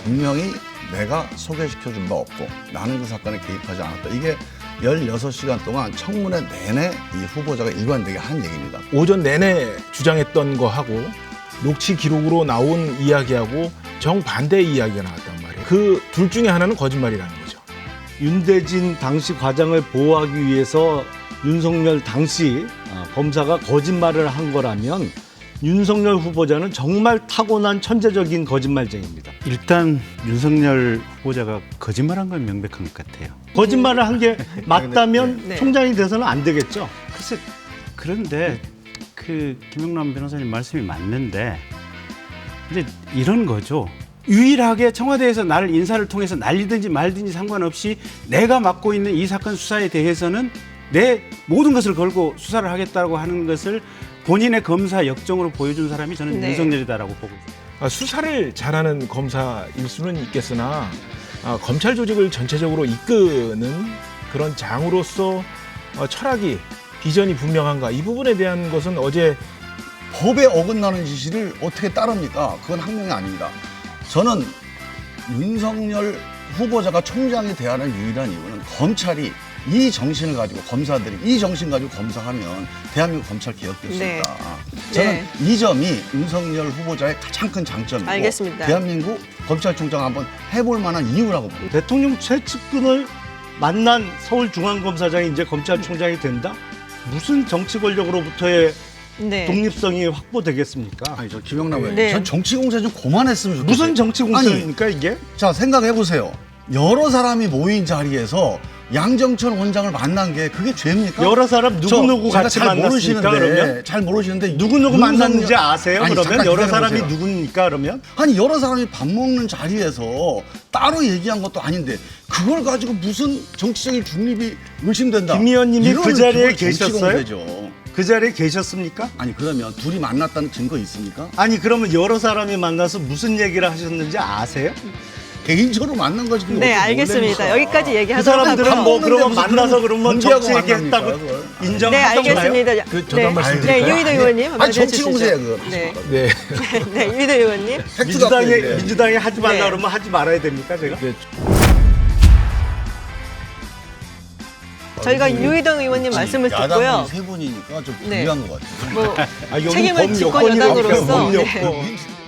분명히 내가 소개시켜준 바 없고 나는 그 사건에 개입하지 않았다. 이게 16시간 동안 청문회 내내 이 후보자가 일관되게 한 얘기입니다. 오전 내내 주장했던 거하고 녹취 기록으로 나온 이야기하고 정반대의 이야기가 나왔단 말이에요. 그 둘 중에 하나는 거짓말이라는 거죠. 윤대진 당시 과장을 보호하기 위해서 윤석열 당시 검사가 거짓말을 한 거라면 윤석열 후보자는 정말 타고난 천재적인 거짓말쟁이입니다. 일단 윤석열 후보자가 거짓말한 건 명백한 것 같아요. 거짓말을 한 게 맞다면 네. 총장이 돼서는 안 되겠죠. 글쎄 그런데 그 김영남 변호사님 말씀이 맞는데 이제 이런 거죠. 유일하게 청와대에서 나를 인사를 통해서 날리든지 말든지 상관없이 내가 맡고 있는 이 사건 수사에 대해서는 내 모든 것을 걸고 수사를 하겠다고 하는 것을 본인의 검사 역정으로 보여준 사람이 저는 네. 윤석열이다라고 보고 있습니다. 수사를 잘하는 검사일 수는 있겠으나 검찰 조직을 전체적으로 이끄는 그런 장으로서 철학이 비전이 분명한가 이 부분에 대한 것은 어제 법에 어긋나는 지시를 어떻게 따릅니까? 그건 학명이 아닙니다. 저는 윤석열 후보자가 총장이 돼야 하는 유일한 이유는 검찰이 이 정신을 가지고 검사들이 이 정신 가지고 검사하면 대한민국 검찰 개혁될 수 네. 있다. 저는 네. 이 점이 윤석열 후보자의 가장 큰 장점이고 알겠습니다. 대한민국 검찰총장 한번 해볼 만한 이유라고 봅니다. 대통령 최측근을 만난 서울중앙검사장이 이제 검찰총장이 된다? 무슨 정치 권력으로부터의 네. 독립성이 확보되겠습니까? 아니 저 김영남 의원, 네. 전 정치 공세 좀 그만했으면 좋겠어요. 무슨 정치 공세입니까 이게? 자 생각해 보세요. 여러 사람이 모인 자리에서 양정철 원장을 만난 게 그게 죄입니까? 여러 사람 누구누구 제가 같이 잘 만났습니까 모르시는데, 그러면? 잘 모르시는데 누구누구 만났는지 아세요? 아니, 그러면 잠깐 여러 사람이 기다려보세요. 누굽니까 그러면? 아니 여러 사람이 밥 먹는 자리에서 따로 얘기한 것도 아닌데 그걸 가지고 무슨 정치적인 중립이 의심된다. 김 의원님이 이런 그 자리에 정치 계셨어요? 공세죠. 그 자리에 계셨습니까? 아니 그러면 둘이 만났다는 증거 있습니까? 아니 그러면 여러 사람이 만나서 무슨 얘기를 하셨는지 아세요? 개인적으로 만난 거지. 그게 네, 어떻게 알겠습니다. 놀랍니까? 여기까지 그 얘기하도록 사람들은 하고요. 뭐 그러면 무슨 만나서 그러면 공개하고 정치 얘기했다고 만납니까, 그걸? 네, 인정하던가요? 알겠습니다. 저도 한 말씀 네, 드릴까요? 유희도 의원님 아니 한마디 정치 해주시죠. 공세야 그거. 네, 네. 네, 유희도 의원님. 팩트 갖고 얘기해. 민주당이 하지 말라 네. 그러면 하지 말아야 됩니까 제가? 네. 저희가 유희동 의원님 말씀을 듣고요. 야당이 세 분이니까 좀 네. 불리한 것 같아요. 뭐 아, 여기 책임을 범 집권 여권이라니까, 여당으로서 범 네. 여권.